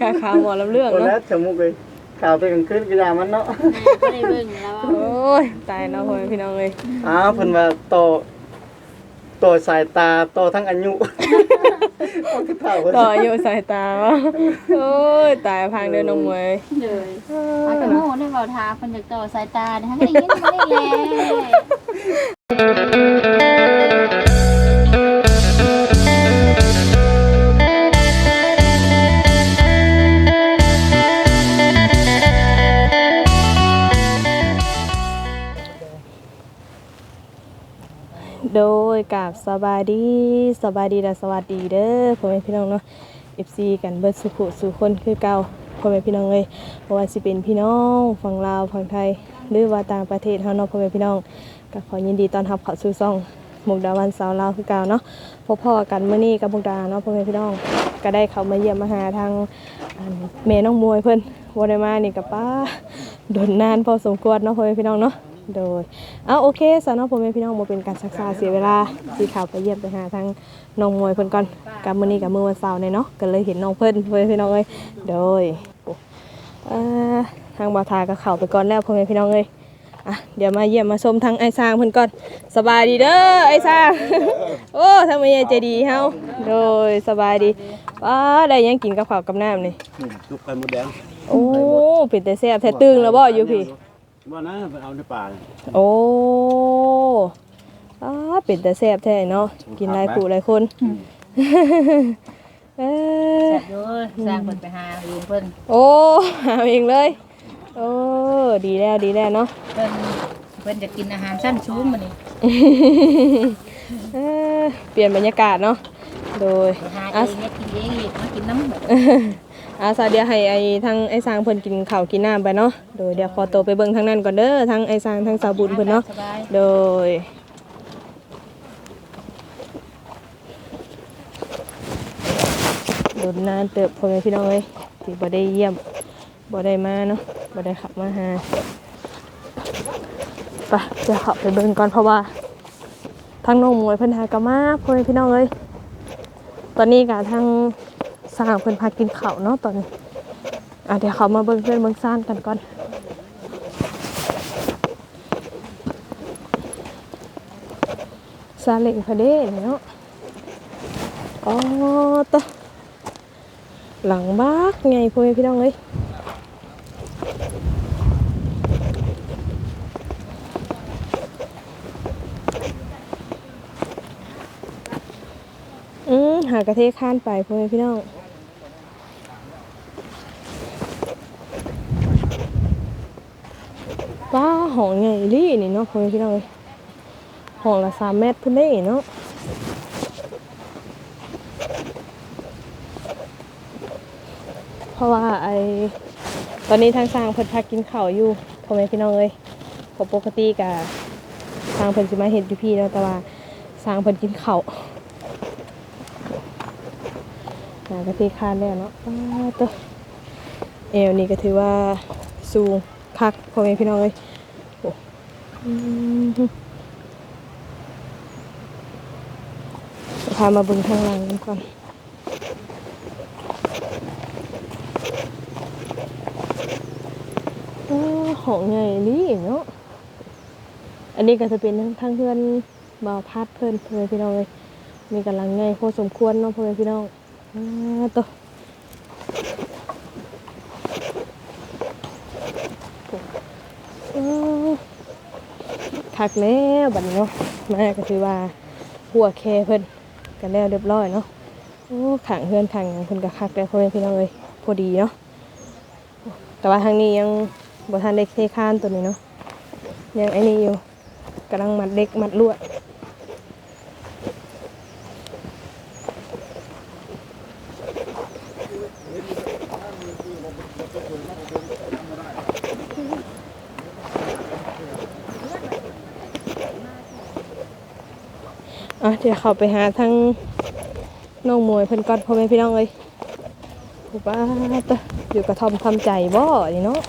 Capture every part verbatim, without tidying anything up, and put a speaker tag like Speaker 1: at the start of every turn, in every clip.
Speaker 1: ข่าวข่าวหมอลำเรื่องเนาะ
Speaker 2: แล้วสมมุติเลยข่าวตัวกลางคืนกีฬามันเนาะ
Speaker 3: ไม่ได้เบิ่งแล้ว
Speaker 1: โอ้ยตายเนาะพ่อพี่น้องเลย
Speaker 2: อ้าวเพิ่นว่าโตโตสายตาโตทั้งอายุ
Speaker 1: ต่ออายุสายตาโอ้ยตายพังเดินน้องมวย
Speaker 3: เลยเอากระโม่ได้เบาทาคนจากต่อสายตาทั้งได้ยินไม่ได้
Speaker 1: โดยกับสบายดีสบายดีและสวัสดีเด้อพ่อแม่พี่น้องเนาะ เอฟ ซี กันเบิดสุขุสู่คนคือเก่าพ่อแม่พี่น้องเลยเพราะว่าสิเป็นพี่น้องฝั่งลาวฝั่งไทยหรือว่าต่างประเทศเฮาเนาะพ่อแม่พี่น้องก็ขอยินดีต้อนรับเข้าสู่ช่องมุกดาวันสาวลาวคือเก่าเนาะพบพ่อกันมื้อนี้กับมุกดาเนาะพ่อแม่พี่น้องก็ได้เข้ามาเยี่ยมมาหาทางแม่น้องมวยเพิ่นบ่ได้มานี่ก็ป้าโดนนานพอสมควรเนาะพ่อแม่พี่น้องเนาะโดยเอาโอเคสาวน้องพ่อแม่พี่น้องบ่เป็นการซักษาเสียเวลาสิเข้าไปเยี่ยมไปหาทางน้องมวยเพิ่นก่อนกับมื้อนี้กับมื้อวันเสาร์เนี่ยเนาะก็เลยเห็นน้องเพิ่นพ่อแม่พี่น้องเอ้ยโดยเอ่อทางบ่าวทาก็เข้าไปก่อนแล้วพ่อแม่พี่น้องเอ้ยอ่ะเดี๋ยวมาเยี่ยมมาชมทางไอ้สร้างเพิ่นก่อนสบายดีเด้อไอ้สร้างโอ้ทางแม่ใจดีเฮาโดยสบายดีว้าได้ยังกินกับข้าวกับน้ำนี่
Speaker 2: ซุปไข่มดแดง
Speaker 1: โอ้เป็นแต่แซ่บแท้ตึงแล้วบ่อยู่พี่
Speaker 2: ว่านะเอาในป่า
Speaker 1: โอ้อ้าเป็นแต่แซ่บแท้เนาะกินหลายคู่หลายคนเออ
Speaker 3: แซ่บด้วยสร้างเพิ่นไปหาเองเพิ่น
Speaker 1: โอ้หาเองเลยโอ้ดีแล้วดีแล้วเนาะ
Speaker 3: เพิ่นเพิ่นจะกินอาหารชั้นสูงมื้อนี้
Speaker 1: เออเปลี่ยนบรรยากาศเนาะโดย
Speaker 3: หาเองเนี่ยกินเองอีกมากินน้ำแบบ
Speaker 1: อาซาเดียให้ไอ้ทั้งไอ้สร้างเพิ่นกินข้าวกินน้ำไปเนาะโดยเดี๋ยวขอตัวไปเบิ่งทางนั้นก่อนเด้อทั้งไอ้สร้างทั้งสาวบุญเพิ่นเนาะโดยโดนนานเติบพ่อแม่พี่น้องเอ้ยที่บ่ได้เยี่ยมบ่ได้มาเนาะบ่ได้ขับมาหาไปจะขับไปเบิ่งก่อนเพราะว่าทางน้องมวยเพิ่นหากะมาพ่อแม่พี่น้องเอ้ยตอนนี้ก็ทางสร้างเพิ่นพากินข้าวเนาะตอนนี้อ่ะเดี๋ยวเขามาเบิ่งเพื่อนเบิ่งซ่านกันก่อนซาเล้งพะเด้เนาะอ๋อตะหลังบ้ากไงพ่อแม่พี่น้องเอ้ยอืมหากระเทศข้านไปพ่อแม่พี่น้องว้าห้องใหญ่ลี่นี่เนาะพ่อแม่พี่น้องเอ้ยห้องละสามเมตรพุ่นได้เนาะเพราะว่าไอตอนนี้ทางสร้างเพิ่นพักกินข้าวอยู่พ่อแม่พี่น้องเอ้ยเพราะปกติกะสร้างเพิ่นสิมาเฮ็ดอยู่พี่แล้วแต่ว่าสร้างเพิ่นกินข้าวหากะทิคานแล้วเนาะตัวเอวนี่ก็ถือว่าสูงคักพ่อแม่พี่น้องเอ้ยโอ้พามาเบิ่งทางหลังกันก่อนห้องใหญ่นี่เนาะอันนี้ก็จะเป็นทางเพื่อนบ่าวพัดเพื่อนพ่อแม่พี่น้องเลยมีกำลังใหญ่พอสมควรเนาะพ่อแม่พี่น้องตัวคักแล้วบัดนี้เนาะมาก็คือว่าหัวแคเพิ่นกันแล้วเรียบร้อยเนาะโอ้ขังเพื่อนขังเพิ่นก็คักแล้วพ่อแม่พี่น้องเลยพอดีเนาะแต่ว่าทางนี้ยังบ่ทันได้เทคานตัวนี้เนาะยังไอ้นี่อยู่กำลังมัดเล็กมัดลวดอ่ะเดี๋ยวเข้าไปหาทางน้องมวยเพิ่นก่อนพ่อแม่พี่น้องเอ้ยผู้บ้าตะอยู่กระท่อมทำใจบ่นี่เนาะ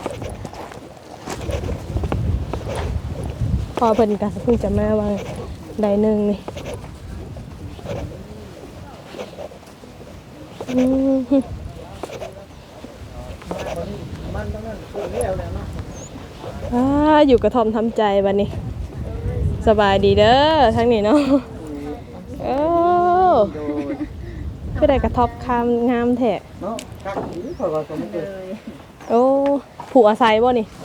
Speaker 1: พอเพิ่นก็เพิ่งจะมาว่าได้หนึ่งนี่อ
Speaker 2: มันทั้งนั้นเรื่องแล้วเนาะ
Speaker 1: อ่าอยู่กระท่อมทำใจบัดนี้สบายดีเด้อทั้งนี้เนาะโอ้คือได้กระทบคามงามแท้
Speaker 2: เนาะคักอีข่อยว่าก็บ่เคย
Speaker 1: โอ้ผูกอาศัยบ่นี่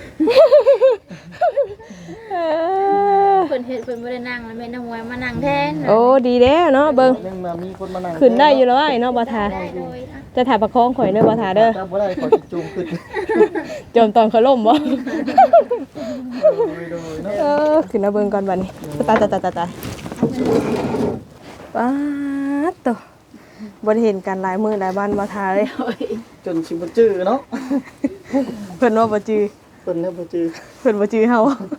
Speaker 1: เออ
Speaker 3: เพิ่นเฮ็ดเพิ่นบ่ได้นั่งแล้วแม่น้องมวยมานั่งแทน
Speaker 1: โอ้ดีแล้วเนาะเบิ่ง
Speaker 2: ยังมามีคนมานั่ง
Speaker 1: ขึ้นได้อยู่แล้วไอ้เนาะบ่ทา
Speaker 3: ได้โดยอ่ะ
Speaker 1: จะถ่ายประคองข่อยเด้อบ่ทาเด้อ
Speaker 2: ถ้าบ่ได้ขอจูงขึ้น
Speaker 1: จมตอนเขาล่มบ่
Speaker 2: โดยโดยเนาะ
Speaker 1: เออขึ้นมาเบิ่งก่อนบัดนี้ตายตายตายตายตายป๊าดโตบ่ได้เห็นกันหลายมื้อหลายวันบ่ทาเลย
Speaker 3: โดย
Speaker 2: จนสิบ่จื้อเนาะ
Speaker 1: เพิ่นว่าบ่จือ
Speaker 2: เพิ่นน่ะบ่จื้อ
Speaker 1: เพิ่นบ่จือเฮา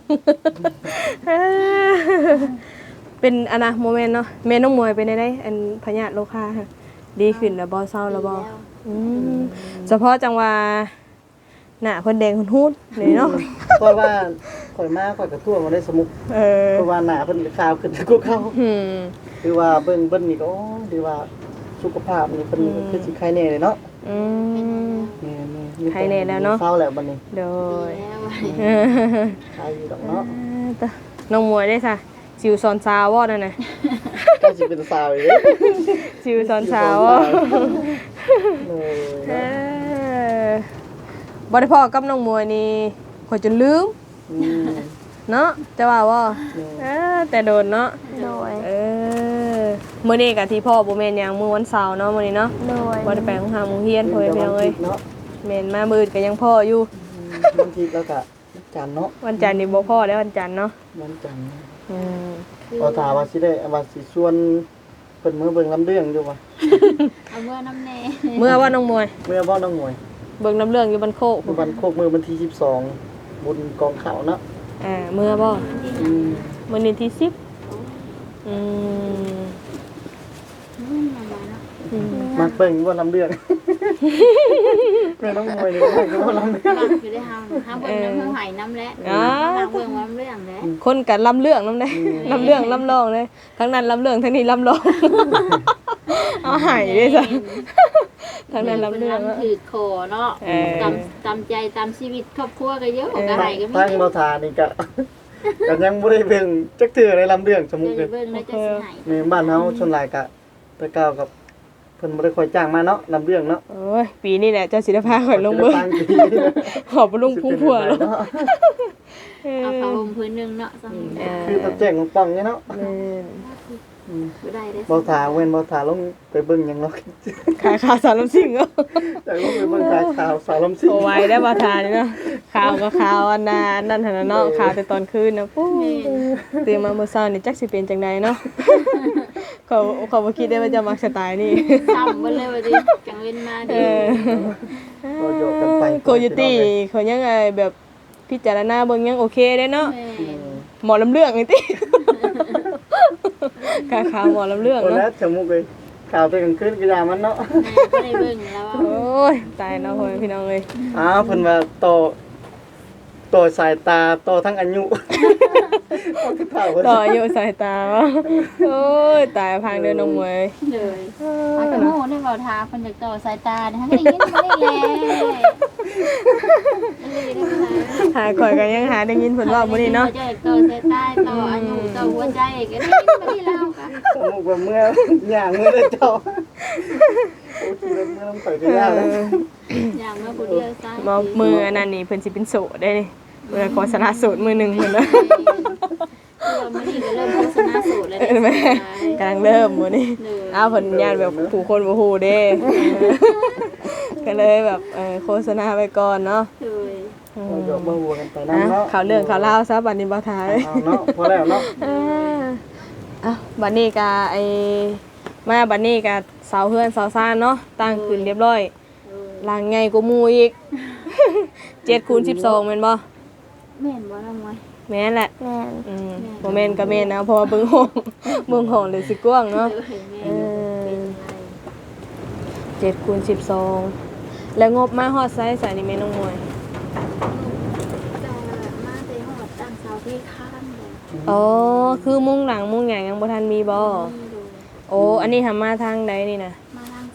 Speaker 1: เป็นอันนะโมเมนต์เนาะแม่น้องมวยเป็นได้ได้อันพยาธิโรคาค่ะดีขึ้นแล้วบ่เศร้าแล้วบ่อืมเฉพาะจังว่าหน้าเพิ่นแดงหุ่นฮู้นี่เนาะ
Speaker 2: เพราะว่าข่อยมาข่อยก็ทั่วมาได้สมุก
Speaker 1: เออ
Speaker 2: เพราะว่าหน้าเพิ่นก็ขาวขึ้นกว่าเก่า
Speaker 1: อืม
Speaker 2: คือว่าเบิ่งเบิ่นนี่ก็โอ้ดีว่าสุขภาพนี่เพิ่นคือสิไข้แน่เลยเนาะ
Speaker 1: อืม
Speaker 2: แม่ๆ
Speaker 1: ไข้แน่แล้วเนาะ
Speaker 2: เศร้าแล้วบัดนี้
Speaker 1: โดย
Speaker 3: แล้ว
Speaker 1: เออ
Speaker 2: ไข้อยู่ดอกเนาะ
Speaker 1: ตะน้องมวยได้ซะสิวซอนซาวบ่นั่นน่ะ
Speaker 2: ก็สิเป็นสาวอีกเด้
Speaker 1: สิวซอนซาวบ่
Speaker 2: เอ
Speaker 1: เอ
Speaker 2: อ
Speaker 1: อบ่ได้พ้อกับน้องมวยนี่ข่อยจนลืม
Speaker 2: อืม
Speaker 1: เนาะจะว่าบ่เออแต่โดนเนาะ
Speaker 3: โดย
Speaker 1: เออมื้อนี้ก็ที่พ่อบ่แม่นหยังมื้อวันเสาร์เนาะมื้อนี้เนาะ
Speaker 3: โดย
Speaker 1: บ่ได้ไปโรงหาโรงเรียนพ่อแม่พี่น้องเอ้ย
Speaker 2: เนาะ
Speaker 1: แม่นมามื้ออื่นก็ยังพ่ออยู่
Speaker 2: บางทีแล้วก็จันทร์เนาะ
Speaker 1: วันจันทร์นี่บ่พ่อแล้ววันจันทร์เนาะ
Speaker 2: วันจันทร์
Speaker 1: อืม
Speaker 2: พอถามว่าสิได้ว่าสิชวนเพิ่นมื้อเบิ่งลำเรื่องอยู่บ่
Speaker 3: เอาเมื่อน้ำแน่
Speaker 1: เมื่อว่าน้องมวย
Speaker 2: เมื่อบ่น้องหมวย
Speaker 1: เบิ่งน้ำเรื่องอยู่บ้านโคก
Speaker 2: มื้อวันโคกมื้อวันที่สิบสองบุญกองเขาเนาะ
Speaker 1: อ่าเมื่อบ่
Speaker 2: อืม
Speaker 1: มื้อนี้ที่สิบอืม
Speaker 3: อืมมาเนาะ
Speaker 1: อืม
Speaker 2: มักเบิ่งบ่ลำเรื่องแม่น้องหมวยนี่มักบ่ลำเรื่อง
Speaker 3: หลักอยู่ได้เฮาเฮาเบิ่งน้ำเฮาไหน้ำแล้วหลักเบิ่งว่าเรื่องแล้ว
Speaker 1: คนกันลำเรื่องนำได้ลำเรื่องลำรองเลยทั้งนั้นลำเรื่องทั้งนี้ลำรอง เอาหายด้วยจ้ะทั้งนั้นลำเรื่อง
Speaker 3: มันถือคอเนาะ
Speaker 1: เออ
Speaker 3: ตามตามใจตามชีวิตครอบครัวก็เยอะก็ไหก็มี
Speaker 2: ทางบ่ทานี่ก็ก็ยังบ่ได้เบิ่งจักเทื่อในลำเรื่องสมมุติ
Speaker 3: เบิ่
Speaker 2: เด้
Speaker 3: งแล้วจะสิไห
Speaker 2: ในบ้านเฮาส่วนหลายก็ไปก้าวกับเพิ่นบ่ได้ค่อยจ้างมาเนาะลำเรื่องเนาะ
Speaker 1: โอ้ยปีนี้แหละเจ้าศิลปาข่อยลงเบิ่ง
Speaker 2: ตั้งปี
Speaker 1: ขอบบ่ลงพุ่งพัวแล้ว
Speaker 3: เอาผ้าห่มพื้นหนึงเนาะซัง
Speaker 1: เออ
Speaker 2: คือตะแจ้งของป้องเนี่ยเนาะ
Speaker 1: แม่น
Speaker 2: อืม
Speaker 3: บ่ได้เด้
Speaker 2: บ่ถาเว้นบ่ถาลงไปเบิ่งหยังเนาะ
Speaker 1: ขายข่าวสารลำซิ่งเนาะ
Speaker 2: อยากลงไปเบิ่งข่าวข่าวสาวลำซิ่ง
Speaker 1: โอ้ไว้ได้บ่ทานนี่เนาะข่าวก็ข่าวอันนั้นนั่นหั่นน่ะเนาะข่าวแต่ตอนคืนน่ะปู้ตื่นมาเมื่อเช้านี่จักสิเป็นจังไดเนาะ เขาเขาบ่คิดได้ว่าจะมักสไตล์นี่
Speaker 3: ซ้ำเบิ่เลยว่าดิจังเว้นมา
Speaker 1: เอ
Speaker 3: ดิ
Speaker 1: อ
Speaker 2: ก็โยกกันไป
Speaker 1: โคโยตี้เขายังไงแบบพิจารณาเบิ่งยังโอเคได้เนาะ
Speaker 3: แม่
Speaker 1: หมอลำเรื่องนี่ติกาข่าวหมอลำเรื่อง
Speaker 2: คน
Speaker 1: เนาะ
Speaker 2: แล้วจมูกเลยข่าวไปกลางคืนก็ยามันเนาะ
Speaker 3: บ่ได้เบิ่งแล้วว่า
Speaker 1: โอ้ยตายเนาะพ่อแม่พี่น้องเอ้ย
Speaker 2: อ้าวเพิ่นว่าต่อต่อสายตาต่อทั้งอายุต่อทุกเท่าเพิ่น
Speaker 1: ต่ออายุสายตาวะโอ้ยตายพังเดินน้องมวย
Speaker 3: เลยอากระโมได้เว้าทาเพิ่นอยากต่อสายตาเด้ก็ได้ยินบ่ได้แลอันนี้ได้ค่ะ
Speaker 1: หาข่อยก็ยังหาได้ยินเพิ่นเว้ามื้อนี้เนาะ
Speaker 3: เจ้าต่อสายตาต่ออายุต่อหัวใจก็ได้ยินบ่ได้เล่าค่ะ
Speaker 2: จมูกว่าเมื่อย่างเมื่อได้เจ้าโอ้คิดว่าเมื่อน้ำข่อยก็ยากแล้ว
Speaker 3: อย่างมาผู้เดียวซะ
Speaker 1: บ่มืออันนั้นนี่เพิ่นสิเป็นโสดได้นี่เมื่อขอสละโสดมือหนึงเพิ่นเนาะ
Speaker 3: เราไม่ได้เริ่มโฆษณาสูตรแล้ว
Speaker 1: เห็นไหมกำลังเริ่มมื้อนี้อ้าวเพิ่นย่านแบบผู้คนบ่ฮู้เด้ ก็เลยแบบเออโฆษณาไปก่อนเนาะ
Speaker 3: เลย
Speaker 1: อื
Speaker 2: เรา
Speaker 1: ม
Speaker 2: ยกมาวัวกันไป
Speaker 1: อ่ะ
Speaker 2: น้ำเนาะ
Speaker 1: ข่าวเรื่องข่าวราวซะบัดนี้บ่ทาย
Speaker 2: เอาเนาะพอแล้วเนาะ
Speaker 1: อ่าอ่ะบัดนี้ก็ไอ้มาบัดนี้ก็เสาเฮือนเสาซ่านเนาะตั้งขึ้นเรียบร้อยหลังใหญ่กว่าหมู่อีก เจ็ดคูณสิบสองแม่นบ่
Speaker 3: แม่นบ่ละมวย
Speaker 1: แม่นแหละ
Speaker 3: แม่น
Speaker 1: อืมบ่แม่นก็แม่นนะเพราะว่าเบิ่งห้อง เบิ่งห้องเลยสิกว้างเนาะ
Speaker 3: เออเป็นไร
Speaker 1: เจ็ดคูณสิบสองแล้วงบมาฮอดไซส์สายนี่แม่น้องมวย
Speaker 3: จะมาไปหอดตั้งเสาที่ข้างเลย
Speaker 1: อ๋อคือมุ้งหลังมุ้งหยังยังบ่ทันมีบ่
Speaker 3: นี่ดู
Speaker 1: โอ้อันนี้ทำมาทางใดนี่นะ
Speaker 3: มาทางซ้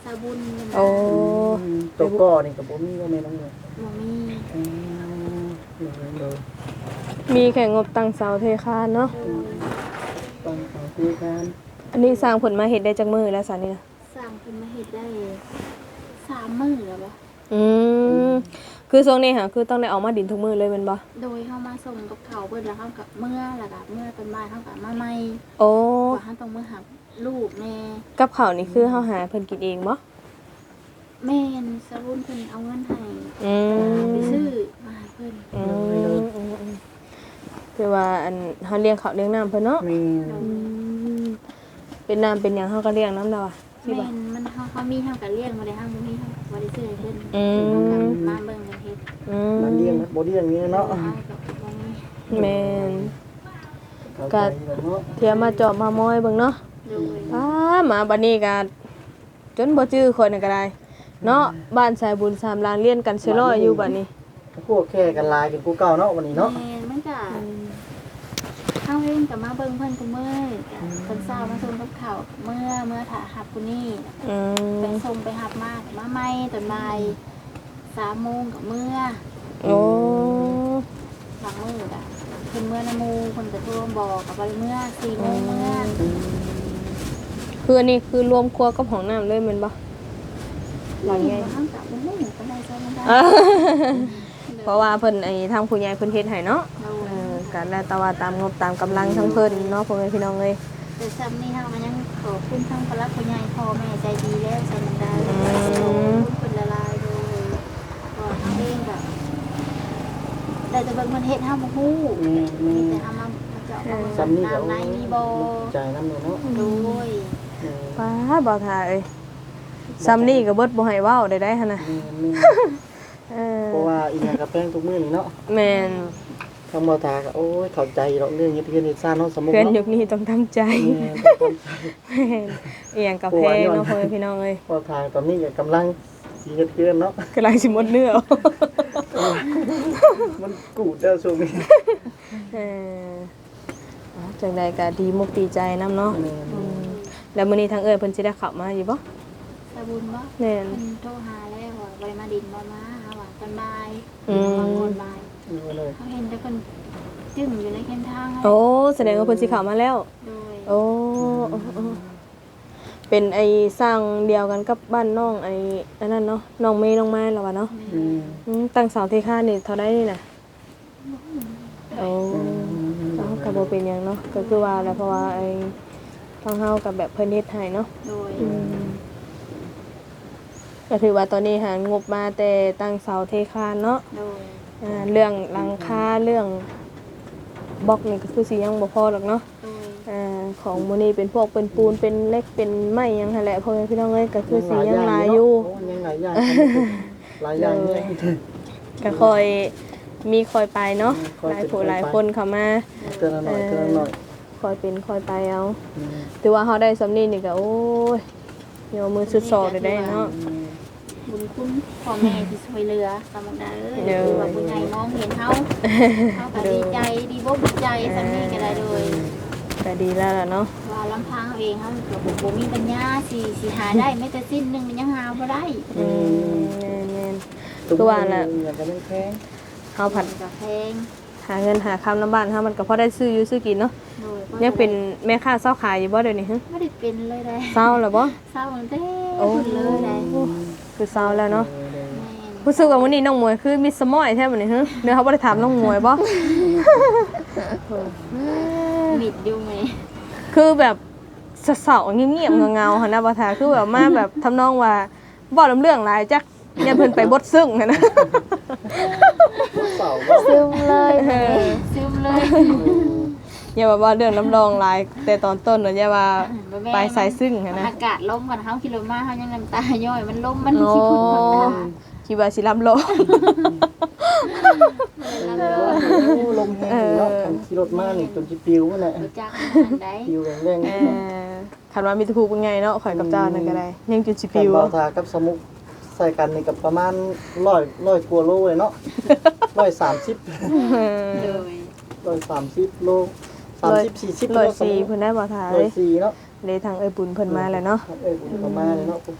Speaker 3: าบุญนี่นะ
Speaker 1: โอ้
Speaker 2: ตัวก่อนี่ก็บ่มีว่าแม่น้องเลย
Speaker 3: บ่มี
Speaker 2: อืมเลย
Speaker 1: มีแข่งงบตั้งเสาเทคานเนาะ
Speaker 3: โดย
Speaker 2: ต้องขอคุยกัน
Speaker 1: อันนี้สร้างผลมาเฮ็ดได้จักมื้อแล้วซะนี่นะ
Speaker 3: สร้างเพิ่นมาเฮ็ดได้สามมื้อแล้วบ่
Speaker 1: อืมคือช่วงนี้ค่ะคือต้องได้ออกมาดินทุกมื้อเลยแม่นบ่
Speaker 3: โดยเฮามาส่งกับเขาวเบิดแล้วเฮากับเมื่อแล้วก็เมื่อตอนบ่ายเฮาก็มาใหม่
Speaker 1: โอ้
Speaker 3: ว่าเฮาต้องมื้อหับลูกแม่
Speaker 1: กับข้าวนี่คือเฮาหาเพิ่นกินเองบ่
Speaker 3: แม่นสรุนเพิ่นเอาเงินให้
Speaker 1: อืม
Speaker 3: ไปซื้อมาให้เพิ่น
Speaker 1: อืมอืมอืมคือว่าอันเฮาเลี้ยงข้าวเลี้ยงน้ำเพิ่นเนาะ
Speaker 2: มี
Speaker 1: อืมเป็นน้ำเป็นหยังเฮาก็เลี้ยงน้ำแล้วอ่ะสิ
Speaker 3: แม่
Speaker 1: บ่
Speaker 3: นมันเฮาเฮามีเฮาก็เลี้ยงบ่ได้เฮาบ่มีเฮาบ่ได้ซื้อให้เพิ่น
Speaker 1: อืม
Speaker 3: เฮาก็มาเบิ่งกันเฮ็ด
Speaker 1: อืม
Speaker 2: มันเลี้ยงนะบ่เลี้ยงนี่เนาะ
Speaker 3: เอาก็บ่มี
Speaker 1: แม่น
Speaker 2: เข้าใจแล้วเนาะ
Speaker 1: เทียมมาเจาะมามอยเบิ่งเนาะ
Speaker 3: โดย
Speaker 1: อ้ามาบัดนี้ก็จนบ่จื้อคนนก็ได้ เนาะบ้านสายบุญสามลานเรียนกันซิลอยอยู่บัดนี้
Speaker 2: พวกแค่กันลายกันกูเก่าเนาะวันนี้เนาะ
Speaker 3: แม่นมันก็เฮาเองก็มาเบิ่งเพิ่นกูมื้อก็เพิ่นเช้ามาส่งกับข้าวเมื่อเมื่อถ้าหับกูนี่
Speaker 1: อื
Speaker 3: ไป
Speaker 1: ม
Speaker 3: ส่งไปหับมามาใหม่ตอนบ่ายสามโมงก็เมื่อ
Speaker 1: โอ้
Speaker 3: บางมื้อก็เพิ่นเมื่อน้ำหมู่เพิ่นก็โทรมาบอกก็บ่ได้เมื่อสี่โมงเมื่อ
Speaker 1: คืออันนี้คือรวมครัวกับห้องน้ำเลยแม่นบ่หลังไง
Speaker 3: เฮาก็บ่ฮู้ปานใดซะมันได้
Speaker 1: อ่าเพราะว่าเพิ่นไอ้ทางผู้ใหญ่เพิ่นเฮ็ดให้เนาะ
Speaker 3: โด
Speaker 1: เอย อก็แล้วแต่ว่าตามงบตามกำลังทั้งเพิ่นเนาะพ่อแม่พี่น้องเอ้ย
Speaker 3: แต่ซ้ำนี่เฮามันยังขอบคุณทั้งพระผู้ใหญ่พ่อแม่ใจดีแล้วใส่มันได้
Speaker 1: อื
Speaker 3: ขอบ
Speaker 1: ม
Speaker 3: คุณเพิ่นละลายเลยก็เฮาเองก็ได้แต่เบิ่งเพิ่นเฮ็ดเฮาบ่ฮู้
Speaker 2: มีมี
Speaker 3: มีแต่เฮามาเจาะเอา
Speaker 2: ซ้ำนี่ก็
Speaker 3: น้ำในมีบ่
Speaker 2: ใจน้ำเนาะ
Speaker 3: โดย
Speaker 1: ป้าบ่ทาเอ้ยซ้ำนี่ก็เบิดบ่ให้เว้าได้ได้หั่นน่ะ
Speaker 2: มีมี
Speaker 1: เออ
Speaker 2: เพราะว่าอีหยังกับแป้งทุกมื้อนี่เนาะ
Speaker 1: แม่น
Speaker 2: ทางบ่ตาก็โอ้ยเข้าใจดอกเรื่องเฮ็ดเฮ็ดซ่านเนาะสมมุติ
Speaker 1: เพื่อน
Speaker 2: เนาะ
Speaker 1: ยุคนี้ต้องทำใจ
Speaker 2: แม่ต้องเข้าใจ
Speaker 1: แม่นอีหยังกาแฟเนาะพ่อแม่พี่น้องเอ้ย
Speaker 2: บ่ทางตอนนี้ก็กำลังสิเฮ็ดเกินเนาะ
Speaker 1: กำลังสิหมดเนื้อ
Speaker 2: มันกูดเด้อช่วงนี้
Speaker 1: เอออ๋อจังใดก็ดีมุกดีใจนํเนาะ
Speaker 2: แม่น
Speaker 1: อืมแล้วมื้อนี้ทางเอ้ยเพิ่นสิได้เข้ามาอยู่บ่
Speaker 3: สบุญบ่
Speaker 1: แม่น
Speaker 3: เพิ่นโทรหาแล้วว่าบ่ได้มาดินบ่มาหาว่าตอนบ่าย
Speaker 1: อืม
Speaker 3: บางคนบ่าย
Speaker 2: อยู่เลย
Speaker 3: เขาเห็นแต่เพิ่นจึ้งอยู่ในเส้นทางให้
Speaker 1: โอ้แสดงว่าเพิ่นสิเข้ามาแล้ว
Speaker 3: โดย
Speaker 1: โอ้โอ้โอ้เป็นไอ้สร้างเดียวกันกับบ้านน้องไอ้อันนั้นเนาะน้องเมย์น้องไม้แล้ววะเนาะ
Speaker 2: อืม
Speaker 1: อืมตั้งเสาเทคานี่เท่าได้นี่น่ะโอ้เอาก็บ่เป็นหยังเนาะก็คือว่าแหล้วเพราะว่าไอ้ทางเฮากับแบบเพิ่นเฮ็ดให้เนาะ
Speaker 3: โดย
Speaker 1: อืมก็ถือว่าตอนนี้หางบมาแต่ตั้งเสาเทคานเนาะ
Speaker 3: โดย
Speaker 1: อ่าเรื่องหลังคาเรื่องบล็อกนี่ก็คือสิยังบ่พอหรอกเนาะ
Speaker 3: โดย
Speaker 1: อ่าของมื้อนี้เป็นพวกเป็นปูนเป็นเหล็กเป็นไม้หยังหั่นแหละพ่อแม่พี่น้องเอ้ยก็คือสิยังหลายอยู่
Speaker 2: โยังหลายอย่างหลายอย่างเนี่ย
Speaker 1: ก็คอยมีคอยไปเนาะ
Speaker 2: คอย
Speaker 1: หลาย
Speaker 2: เป็น
Speaker 1: ผู้
Speaker 2: คอยไป
Speaker 1: หลายคนเข้ามา
Speaker 2: เตือนละหน่อยเตือนละหน่อย
Speaker 1: คอยเป็นคอยไปเอา
Speaker 2: อืม
Speaker 1: ถือว่าเฮาได้สำนี้นี่ก็โอ้ยโยมมือสุดสอดได้เนาะ
Speaker 2: อืม
Speaker 3: บุญคุณพ่อแม่ที่ช่วยเหลือสำหรับได้เอ้ย
Speaker 1: โดย
Speaker 3: คือว่าผู้ใหญ่มองเห็นเฮาเฮาก็ดีใจดีบ่ดีใจสำนี้ก็ได้โดย
Speaker 1: ก็ดีแล้วล่ะเนาะ
Speaker 3: ว่าลำพังเอาเองเฮาก็บ่บ่มีปัญญาสิสิหาได้แม้แต่สิ้นหนึงมันยังหาบ่ได้
Speaker 1: อืมแม่น
Speaker 2: ตุ้ม
Speaker 1: คือว่าน่ะ
Speaker 2: อย่างกันแพง
Speaker 1: ๆเฮาผัด
Speaker 3: ก็แพง
Speaker 1: หาเงินหาคำน้ำบ้านเฮามันก็พอได้ซื้ออยู่ซื้อกินเนาะ
Speaker 3: โดย
Speaker 1: ยังเป็นแม่ค้าเช้าขายอยู่บ่เดี๋ยวนี้ฮะ
Speaker 3: บ่ได้เป็นเลยได้
Speaker 1: เช้าแล้วบ่
Speaker 3: เศร้าตั้งแต่
Speaker 1: โอ้
Speaker 3: พุ่นเลยได้
Speaker 1: คือเช้าแล้วเนาะ
Speaker 3: แม่น
Speaker 1: รู้สึกว่าวันนี้น้องมวยคือมีสมอยแท้บัดนี้ฮะเดี๋ยวเขาบ่ได้ถามน้องมวยบ่
Speaker 3: มิดอยู่ไหม
Speaker 1: คือแบบเศร้าๆเงียบๆเงาๆหั่นนะบ่ทาคือแบบมาแบบทำนองว่าบ่ลำเรื่องหลายจักอย่าเพิ่นไปบดซึ้งหั่นนะ
Speaker 2: เสาบ่
Speaker 1: ซึมเลย
Speaker 3: ซึมเลย
Speaker 1: อย่าว่าว่าเรื่องน้ำรองหลายแต่ตอนต้นน่ะอย่าว่าไปใส่ซึ้งหั่นนะ
Speaker 3: อากาศลมก่อนเฮากิโลมาเฮายังน้ำตาย่อยมันลมมันขี้พุ่นผ่อนตา
Speaker 1: คิดว่าสิลำโล
Speaker 2: โอ้ลมแห้งเนาะคันขี่รถมานี่จนสิปิวนั่นแหละ
Speaker 3: รู้จักมันได้
Speaker 2: ปิวแรง
Speaker 1: เออคันว่ามีแตะคูเป็นไงเนาะข่อยกับเจ้านั่นก็ได้ยังจุดสิ
Speaker 2: ๆ
Speaker 1: ปิว
Speaker 2: เบาทากับสมุกใส่กันนี่ก็ประมาณร้อยร้อยกว่าโลเลยเนาะร้อยสามสิบ
Speaker 3: เลย
Speaker 2: ร้อยสามสิบโลสามสิบสี่สิบ
Speaker 1: ร้อย
Speaker 2: โล
Speaker 1: สี่เพิ่นได้บ่ทา
Speaker 2: ร้
Speaker 1: เล
Speaker 2: อย
Speaker 1: ย
Speaker 2: สี่เนาะ
Speaker 1: เลยทางเอ้ยบุญเพิ่นมาแล้วเนาะ
Speaker 2: เอ้ยผมก็มาเลยเนาะ
Speaker 1: อ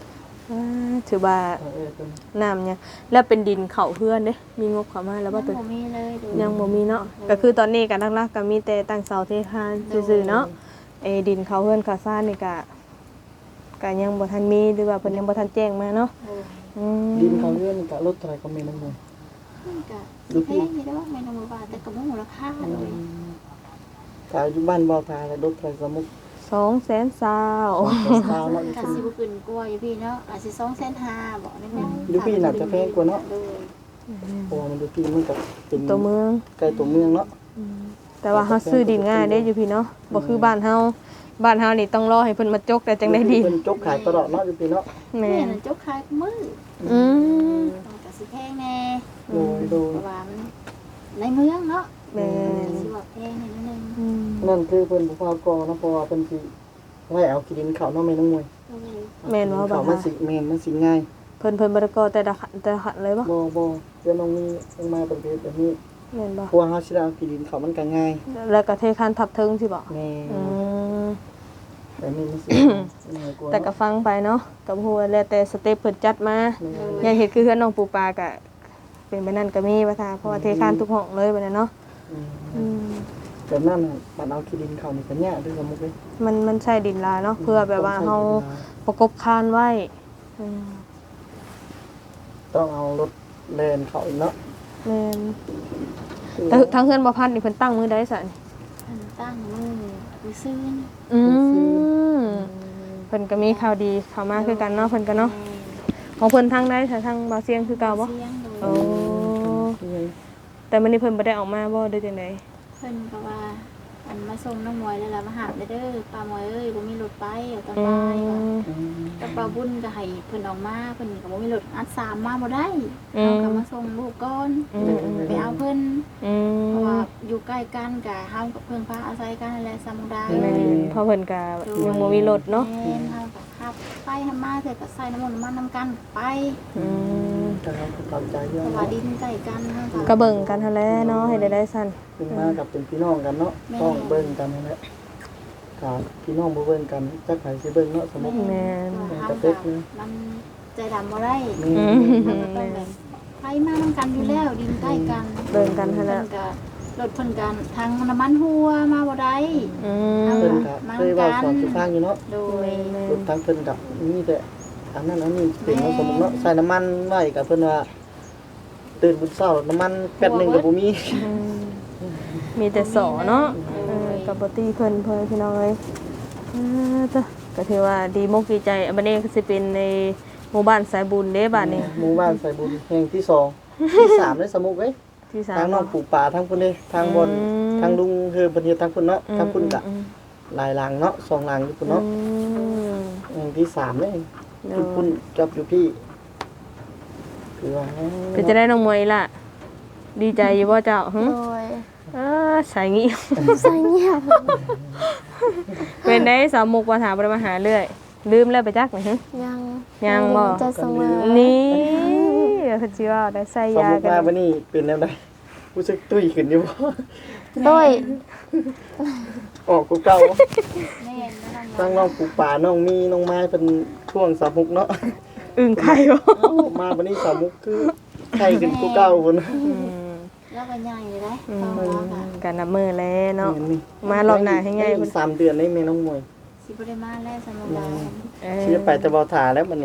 Speaker 1: อ่าถือว่า
Speaker 2: เออเป็น
Speaker 1: น้ำเนี่ยแล้วเป็นดินเขาเพื่อนเด้มีงบเข้ามาแล้วบ่ตัว
Speaker 3: ยังบ่มีเลยดู
Speaker 1: ยังบ่มีเนาะก็คือตอนนี้ก็หลักๆก็มีแต่ตั้งเสาเทคานซื่อๆเนาะไอ้ดินเขาเพื่อนเขาซ่านนี่ก็ก็ยังบ่ทันมีหรือว่าเพิ่นยังบ่ทันแจ้งมาเนาะ
Speaker 3: โดย
Speaker 1: อืม
Speaker 2: ดินเขาเลื่อนกะรถเท่าไหร่ก็มีน้ำมัน
Speaker 3: มันก็
Speaker 2: ดู
Speaker 3: แพ
Speaker 2: พี่
Speaker 3: งอยู่เด้อแม่นบ่บาทแต่ก็บ่มูลค่าเลย
Speaker 2: ถ้าอยู่บ้านบ่าวทาแล้วรถเท่าไหร่สมุก
Speaker 1: สองแสนสาว
Speaker 2: สาวเนาะ
Speaker 3: ก็สิบ่ขึ้นกว่าอยู่พี่เนาะอาจสิสองแสนห้าบ่ได้แม่
Speaker 2: อยู่พี่น่าจะแพงกว่าเนาะ
Speaker 3: โดย
Speaker 2: เพราะว่ามันอยู่พี่มันก็เป็น
Speaker 1: ตัวเมือง
Speaker 2: ใกล้ตัวเมืองเนาะ
Speaker 1: แต่ว่าเฮาซื้อดินง่ายเด้อยู่พี่เนาะบ่คือบ้านเฮาบ้านเฮานี่ต้องรอให้เพิ่นมาจกแต่จังได้ดิน
Speaker 2: เพิ่นจกขายตลอดเนาะอยู่พี่เนาะ
Speaker 1: แม่
Speaker 3: แม่
Speaker 1: น
Speaker 3: น่ะจกขายมื้อ
Speaker 1: อืม
Speaker 3: มันก็สิแพงแน่
Speaker 2: โดยโดย
Speaker 3: เพราะว่ามันในเมืองเนาะ
Speaker 1: แม่น
Speaker 3: สิว่าแพงนิดนึง
Speaker 1: อืม
Speaker 2: นั่นคือเพิ่นบ่พากอเนาะเพราะว่าเพิ่นสิไว้เอาขี้ดินเขาเนาะแม่น้องมวย
Speaker 3: โดย
Speaker 1: แม่นว่าบ่
Speaker 2: เขามัน
Speaker 1: คะ
Speaker 2: สิแม่นมันสิง่าย
Speaker 1: เพิ่นเพิ่นบ่ได้ก่อแต่ละขันแต่ละขันเลยบ่
Speaker 2: บ่บ่เดี๋ยวน้องมีเพิ่นมาประเภทแบบนี้
Speaker 1: แม่นบ่
Speaker 2: เพราะว่าเฮาสิได้เอาขี้ดินเขามันก็ง่าย
Speaker 1: แล้วก็เทคานทับเทิงสิบ่
Speaker 2: แม่
Speaker 1: อืม
Speaker 2: แต่นี่มันสิง่ายกว่า
Speaker 1: แต่ก็ฟังไปเนาะก็บ่ฮู้ว่าแล้วแต่สเต็ปเพิ่นจัดมา
Speaker 2: แม่
Speaker 1: อย่างเฮ็ดคือเฮือนน้องปูปลาก็เป็นไปนั่นก็มีว่าท่าเพราะว่าเทคานทุกห้องเลยบัดนั้นเนาะ
Speaker 2: อืม
Speaker 1: อืม
Speaker 2: แต่นั่นน่ะมันเอาขี้ดินเขานี่ก็ยากด้วยสมมุติเลย
Speaker 1: มันมันใช้ดินลายเนาะเพื่อแบบว่าเฮาประกบคานไว้อืม
Speaker 2: ต้องเอารถแล่นเขาอีกเนาะ
Speaker 1: แม่นแต่ทางเฮือนบ่พันนี่เพิ่นตั้งมือใดซะนี่
Speaker 3: อันตั้งมือวิซื่น
Speaker 1: อืมเพิ่นก็มีข่าวดีเข้ามาคือกันเนาะเพิ่นก็เนาะของเพิ่นทางใดซะทางบ่าวเสียงคือเก่าบ่
Speaker 3: เสียงโดย
Speaker 1: โอ้แต่มื้อนี้เพิ่นบ่ได้ออกมาบ่ได้จังได๋
Speaker 3: เพิ่นก็ว่าอันมาส่งน้องมวยแล้วล่ะมาหาเด้อป้ามวยเอ้ยบ่มีรถไปเอาตอน
Speaker 1: อื
Speaker 3: บ่ายว่ะ
Speaker 1: ม
Speaker 3: กับป้าบุญก็ให้เพิ่นออกมาเพิ่นก็บ่มีรถอัดสามมาบ่ได้
Speaker 1: อืม
Speaker 3: เฮาก็มาส่งลูกก่อน
Speaker 1: อืมอืม
Speaker 3: ไปเอาเพิ่น
Speaker 1: อืม
Speaker 3: เพราะว่าอยู่ใกล้กันก็เฮากับเพิ่นพาอาศัยกันนั่นแหละสมุดา
Speaker 1: แม่นเพราะเพิ่นก็ยังบ่มีรถเนาะ
Speaker 3: แม่นเฮาก็ขับไปทำมาเสร็จก็ใส่น้ำมันต์น้ำมันน้ำกันไป
Speaker 1: อืม
Speaker 2: แต่เราก็ตามใจเย
Speaker 3: เพ
Speaker 2: อะ
Speaker 3: ราะว่า
Speaker 2: เนาะ
Speaker 3: ดินใกล้กันเฮาก็
Speaker 1: ก็เบิ่งกันหั่นแหละเนาะให้ได้ได้สั่น
Speaker 2: ขึ้นมากับเป็นพี่น้องกันเนาะต้องเบิ่งกันนั่นแหละครับพี่น้องบ่เบิ่งกันจักไผสิเบิ่งเนาะสมมุติ
Speaker 1: แม่น
Speaker 3: เพราะว่าเฮาก็มันใจดำบ่ได้
Speaker 2: นี่
Speaker 1: อืม
Speaker 3: มันก็ต้องแบบไปมานํกันอยู่แล้วดินใกล้กัน
Speaker 1: เบิ่งกันหั่นแห
Speaker 3: เพิ่
Speaker 1: ละ
Speaker 3: นก็รถเพิ่นกันทางน้ำมันหัวมาบ่ได้
Speaker 1: อืม
Speaker 2: เพิ่นก็เคยเว้าสอนสุฟังอยู่เนาะ
Speaker 3: โดย
Speaker 2: รถทางเพิ่นกับมีแต่อันนั้นอันนี้เป็นเนาะสมมุติเนาะใส่น้ำมันไว้กับเพิ่นว่าตื่นบุญเช้าน้ำมันแป๊บหนึงก็บ่มี
Speaker 1: อืมมีแต่สอเนาะเออกับบ่ตีเพิ่นเพิ่นพี่น้องเอ้ยเออจ้ะก็ถือว่าดีมกดีใจอันนี้ก็สิเป็นในหมู่บ้านสายบุญเด้บ้านนี้
Speaker 2: หมู่บ้านใส่บุญแห่งที่สองที่สามเลยสมมุติเว้ย
Speaker 1: ที่สา
Speaker 2: ทาง
Speaker 1: ม
Speaker 2: น้องปลูกป่าทางพุ่นเด้ทางบน
Speaker 1: อืม
Speaker 2: ทางลุงคือเพิ่นเฮ็ดทางพุ่นเนาะทางพุ่นก็
Speaker 1: อืม
Speaker 2: หลายหลังเนาะสองหลังอยู่พุ่น
Speaker 1: อื
Speaker 2: เนาะ
Speaker 1: ม
Speaker 2: แห่งที่สามเลย
Speaker 1: เน
Speaker 2: พุ่น
Speaker 1: อะ
Speaker 2: พุ่นกับอยู่พี่คือว่า
Speaker 1: เป็นจะได้น้องมวยล่ะ ดีใจอยู่บ่เจ้าหึ
Speaker 3: โดย
Speaker 1: เออสายงี้
Speaker 3: ใส่เงียบ
Speaker 1: เป็นได้สาวมุกว่าถามบ่ได้มาหาเรื่อย ลืมแล้วไปจักนี่หึ
Speaker 3: ยัง
Speaker 1: ยังบ่
Speaker 3: จะเสมอ
Speaker 1: นี่เดี๋ยวเพิ่นสิว่าได้ใส่
Speaker 2: สม
Speaker 1: ยา
Speaker 2: มุติ
Speaker 1: กัน
Speaker 2: ว่าบัดนี้เป็นแนวใดรู้สึกตุ้ยขึ้นอยู่บ่
Speaker 3: โดย
Speaker 2: ออกกูเก่า
Speaker 3: แม่นนะ
Speaker 2: ทางน้องปลูกป่าน้องมีน้องไม้เป็นช่วงสามมุกเนาะ
Speaker 1: อึ้งไข่บ่
Speaker 2: เอ้ามาบัดนี้สามมุกคือไข่ขึ้นกูเก่าพุ่น
Speaker 1: อืม
Speaker 3: แล้วก็ใหญ่เลยนะ
Speaker 1: อื
Speaker 3: ตอนว่าค่ะ
Speaker 1: มกันนับมือแล้วเนาะ
Speaker 2: นี่
Speaker 1: มารอบหน้าให้ง่าย
Speaker 2: อี
Speaker 1: พุ่น
Speaker 2: กสามเดือนได้แม่น้องมวย
Speaker 3: สิบ่ได้มาแล้วสมุดา
Speaker 1: เออ
Speaker 2: ที่จะไปจะบ่ทาแล้วบัดนี้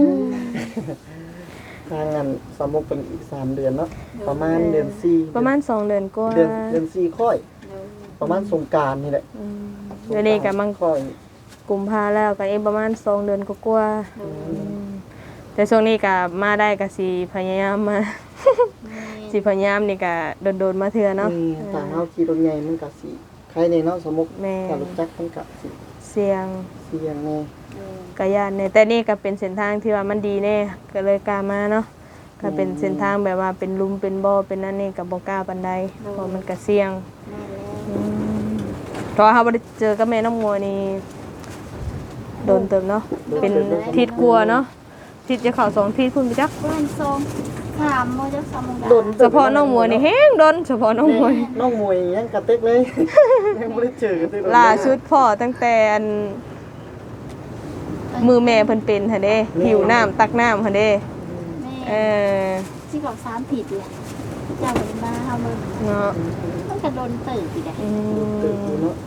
Speaker 2: ทางงานสามมุกเป็นอีกสามเดือนเนาะประมาณเดือนสี่
Speaker 1: ประมาณสองเดือนกว่า
Speaker 2: เดือนเดือนสี่ค่อย ประมาณสงกรานต์นี่แหละ
Speaker 1: อืมเดี๋ยวนี้ก็มัง
Speaker 2: ค่อย
Speaker 1: กุมภาแล้วก็เองประมาณสองเดือนกว่าๆอืมแต่ช่วงนี้ก็มาได้ก็สิพยายามมา สิพยายามนี่ก็โดนๆมาเทื่อเนาะ
Speaker 2: อืมทางเฮาขี่รถใหญ่มันก็สิใครในเนาะสมมุติ
Speaker 1: แม่
Speaker 2: ถ้ารถจักรมันก็สิ
Speaker 1: เสียง
Speaker 2: เสี่ยงแน่
Speaker 1: กะยานเนี่ยแต่นี่ก็เป็นเส้นทางที่ว่ามันดีแน่ก็เลยกล้ามาเนาะก็เป็นเส้นทางแบบว่าเป็นหลุมเป็นบ่อเป็นนั่นนี่ก็บ่กล้าปานใดเพราะมันก็เสี่ยงอืมเพราะว่าเฮาบ่ได้เจอกับแม่น้องมัวนี่โดนเติมเนาะเป็นทิศกลัวเนาะทิศจะเข้าสองทิศพุ่นไปจัก
Speaker 3: บ้านทรงถามโมจักสมุดา
Speaker 2: โดน
Speaker 1: เฉพาะน้องมัวนี่แฮงโดนเฉพาะน้องมัวนี่
Speaker 2: น้องมวยยังกระเต็กเลย ยังบ่ได้เจอกระเต็กเลย
Speaker 1: ล่าสุดพ่อตั้งแต่อัน
Speaker 3: เออ
Speaker 1: มือแม่เพิ่นเป็นหั่นเด้หิวน้ำตักน้ำหั่นเด้
Speaker 3: แม่
Speaker 1: เออ
Speaker 3: ที่บอกสามผิดเลยเจ้าเป็นมาเฮาเบิ่ง
Speaker 1: เนาะ
Speaker 3: มันก็โดนตื่นอีกแหละ
Speaker 1: อื
Speaker 2: เติบ
Speaker 1: ม
Speaker 2: อยู่เนาะ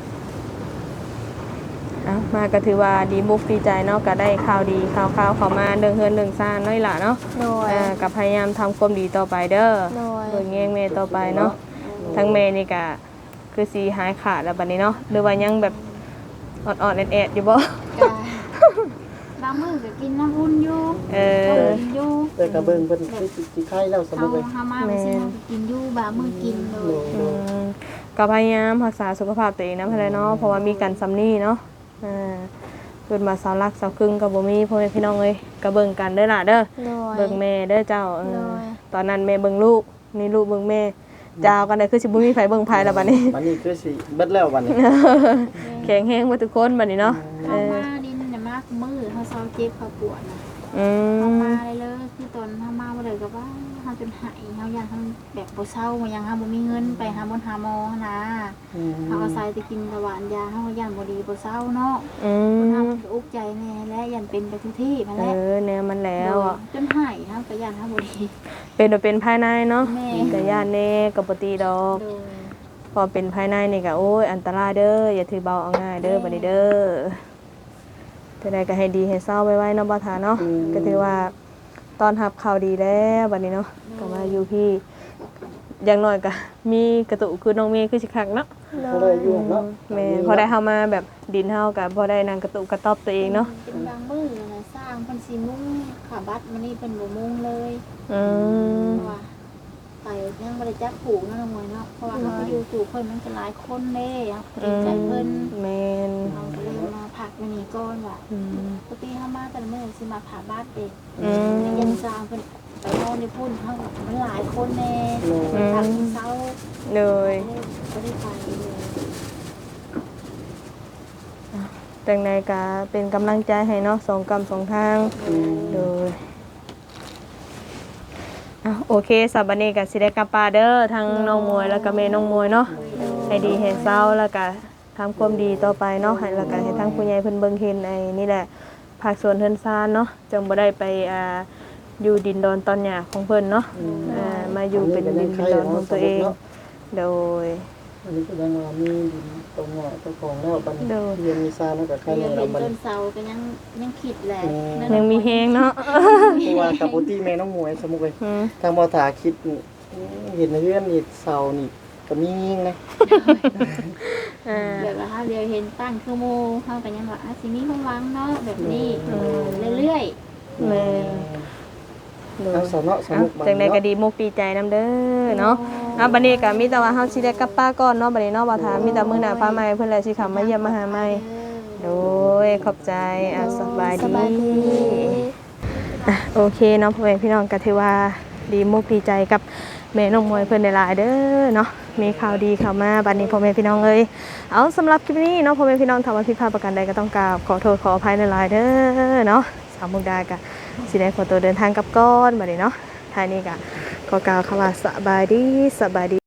Speaker 1: เอ้ามาก็ถือว่าดีมุกดีใจเนาะก็ได้ข่าวดีข่าวข่าวเข้ามาเรื่องเฮือนเรื่องซ่านน้อยล่ะเนาะ
Speaker 3: โดย
Speaker 1: เอ่าก็พยายามทำความดีต่อไปเด้อ
Speaker 3: โดย
Speaker 1: โดยแง่งแม่ต่อไปเนาะทั้งแม่นี่ก็คือสิหายขาดแล้วบัดนี้เนาะหรือว่ายังแบบอ่อนๆแอดๆอยู่บ่
Speaker 3: กาบางมื้อก็กินน้ำอุ่นอยู่
Speaker 1: เอ
Speaker 3: ต้ม
Speaker 1: อ
Speaker 3: กินอยู่
Speaker 2: แต่กระเบิ่งเพิ่นคือสิสิไข้แล้วสมมุ
Speaker 3: เฮา
Speaker 2: ติเลย
Speaker 3: เฮามาไปซื้อเฮาก็กินอยู่บางมื้อกินเล
Speaker 2: โด
Speaker 3: ย
Speaker 2: ย
Speaker 1: อืมก็พยายามรักษาสุขภาพตัวเองนะเพื่อนเนาะเพราะว่ามีกันซ้ำนี่เนาะอ่าเกิดมาสาวรักสาวครึ่งกับบ่มีพ่อแม่พี่น้องเอ้ยก็เบิ่งกันเด้อล่ะเด้อ
Speaker 3: โดย
Speaker 1: เบิ่งแม่เด้อเจ้าเออ
Speaker 3: โดย
Speaker 1: ตอนนั้นแม่เบิ่งลูกนี่ลูกเบิ่งแม่จาวกันได้คือสิบ่มีไผเบิ่งไผแล้วบัดนี้
Speaker 2: บัดนี้คือสิเบิดแล้วบัดนี้
Speaker 1: แข็งแรงหมดทุกคนบัดนี้เนาะเอ
Speaker 3: เฮา
Speaker 1: อ
Speaker 3: มาดินน่ะมากมื้อเฮาเซาเจ็บเฮาปวดน่ะ
Speaker 1: อื
Speaker 3: เฮาม มาเลยเลยคือตอนเฮามาบ่ได้ก็ว่าเฮาจนหายเฮาย่านเฮาแบบบ่เซาบ่ยังเฮาบ่มีเงินไปหาหมอหาหมอนะ
Speaker 2: อืม
Speaker 3: เฮาอาศัยแต่กินตะหวานยาเฮาย่านบ่ดีบ่เซาเนาะ
Speaker 1: อื
Speaker 3: คนเฮาม ก็อุกใจแน่และยันเป็นไปทุกที่มา
Speaker 1: เอ
Speaker 3: แล้ว
Speaker 1: อแนวมันแล้วอ่ะ
Speaker 3: จนหายเฮาก็ย่านเฮาบ่ดี
Speaker 1: เป็นบ่เป็นภายในเนาะ
Speaker 3: แม่
Speaker 1: ก็ย่านแน่ก็บ่ตีดอก
Speaker 3: โดย
Speaker 1: พอเป็นภายในนี่ก็โอ้ยอันตรายเด้ออย่าถือเบาเอาง่ายเด้อบัดนี้เด้อแต่ใดก็ให้ดีให้เศร้าไว้ๆเนาะบ่ทาเนาะก็ถือว่าตอนรับข่าวดีแล้วบัดนี้เนาะก็มาอยู่พี่อย่างน้อยก็มีกระตุกคือน้องเมย์คือสิคักเนาะ
Speaker 2: เขาได้อยู่เนาะ
Speaker 1: แม่พอได้เฮามาแบบดินเฮาก็พอได้นั่งกระตุกกระต๊อบตัวเองเนาะ
Speaker 3: เป็นบางมื้อนะสร้างเพิ่นสิมุ่งขาบัตรมานี่เพิ่นบ่มุ่งเลย
Speaker 1: อืม
Speaker 3: เพราะว่าไปยังบ่ได้จักผูกเนาะน้องมวยเนาะเพราะว่าเฮาไปอยู่สู่เพิ่นมันก็หลายคนเด้เฮาเกรงใจเพิ่น
Speaker 1: แม่น
Speaker 3: เราก็เลยมาพักมื้อนี้ก่อนว่า
Speaker 1: อืม
Speaker 3: ปกติเฮามาแต่ละมื้อสิมาผ่าบัตรเด้
Speaker 1: อืม
Speaker 3: ยันสร้างเพิ่นไปนอนในพุ่นเฮาก็มันหลายคนแน่
Speaker 2: โดย
Speaker 3: ไปพักที่เช้า
Speaker 1: เลย
Speaker 3: ก็ได้ไปเลย
Speaker 1: จังใดก็เป็นกำลังใจให้เนาะสองกำสองทาง
Speaker 2: อืม
Speaker 1: โดยอ่ะโอเคสับบันนี้กับสิได้กลับปาเด้อทางน้องมวยแล้วก็แม่น้องมวยเนาะให้ดีให้เศร้าแล้วก็ทำความดีต่อไปเนาะให้แล้วก็ให้ทางผู้ใหญ่เพิ่นเบิ่งเห็นไอ้นี่แหละภาคส่วนเฮือนซานเนาะจังบ่ได้ไปอ่าอยู่ดินดอนตอนหญ้าของเพิ่นเนาะอ่ามาอยู่เป็นดินเป็นดอนของตัวเอง โดย
Speaker 2: อันนี้ก็ยังว่ามีดินตรงหน้าเจ้าของแล้วบัดนี้
Speaker 1: โดย
Speaker 2: เรียนมีซาแล้วก็ใคร
Speaker 3: เรีย
Speaker 2: แน่
Speaker 3: น
Speaker 2: เรา
Speaker 3: เป็น
Speaker 2: บัด
Speaker 3: ต้
Speaker 2: นี้
Speaker 3: นเสาก็ยังยังคิดแหละ
Speaker 1: ยังมีแฮงเนาะ
Speaker 2: เพราะว่ากับปุตี้แม่น้องหมวยสมมุติเลย
Speaker 1: อืม
Speaker 2: ทางบ่ถาคิดนี่เห็นในเรื่องนี่เสานี่ก็มียิงนะ
Speaker 1: อ่า
Speaker 3: แบบว่าถ้าเดียวเห็นตั้งคือโมเขาก็ยังว่าอ่ะสิมีความหวังเนาะแบบนี้เรื่อย
Speaker 1: แม่นโดย
Speaker 2: ทางสนส
Speaker 1: อ่ะ
Speaker 2: มุกบัด
Speaker 1: จังใด
Speaker 2: นี้
Speaker 1: ก็
Speaker 2: เนาะ
Speaker 1: ดีมุกดีใจนำเด้อเนาะอ่ะบัดนี้ก็มีแต่ว่าเฮาสิได้กลับป้าก่อนเนาะบัดนี้เนาะบ่ถามมีแต่มื้อหน้าฟ้าใหม่เพิ่นแหละสิเข้ามาเยี่ยมมาหาใหม่โดยขอบใจอ่ะสบาย
Speaker 3: สบายดี
Speaker 1: ดีอ่ะโอเคเนาะพ่อแม่พี่น้องก็ถือว่าดีมุกดีใจกับแม่น้องมวยเพิ่นได้หลายเด้อเนาะมีข่าวดีเข้ามาบัดนี้พ่อแม่พี่น้องเอ้ยเอาสำหรับคลิปนี้เนาะพ่อแม่พี่น้องถ้าว่าผิดพลาดประการใดก็ต้องกราบขอโทษขออภัยหลายๆเด้อเนาะสาวมุกดาก็สิได้ขอตัวเดินทางกลับก่อนบัดนี้เนาะท้ายนี้ก็ขอกล่าวคำว่าสบายดีสบายดี